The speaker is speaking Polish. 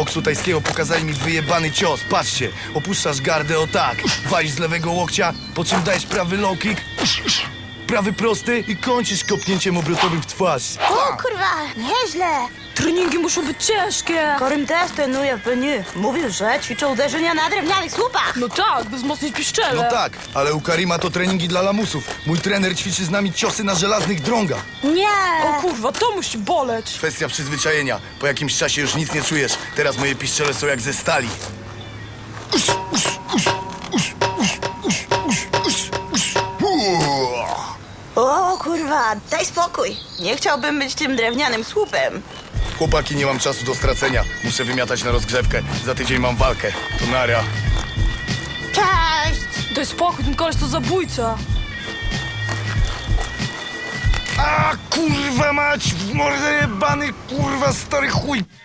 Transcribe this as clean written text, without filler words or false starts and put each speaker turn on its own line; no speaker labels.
boksu tajskiego pokazali mi wyjebany cios. Patrzcie, opuszczasz gardę o tak, walisz z lewego łokcia, po czym dajesz prawy low kick, prawy prosty i kończysz kopnięciem obrotowym w twarz.
O kurwa, nieźle.
Treningi muszą być ciężkie.
Korym też trenuje w Beniu. Mówił, że ćwiczą uderzenia na drewnianych słupach.
No tak, by wzmocnić piszczele.
No tak, ale u Karima to treningi dla lamusów. Mój trener ćwiczy z nami ciosy na żelaznych drągach.
Nie.
O kurwa, to musi boleć.
Kwestia przyzwyczajenia. Po jakimś czasie już nic nie czujesz. Teraz moje piszczele są jak ze stali.
O kurwa, daj spokój. Nie chciałbym być tym drewnianym słupem.
Chłopaki, nie mam czasu do stracenia. Muszę wymiatać na rozgrzewkę. Za tydzień mam walkę. To nara.
Cześć.
Daj spokój, ten koleś to zabójca.
A kurwa mać, w mordę jebany, kurwa stary chuj.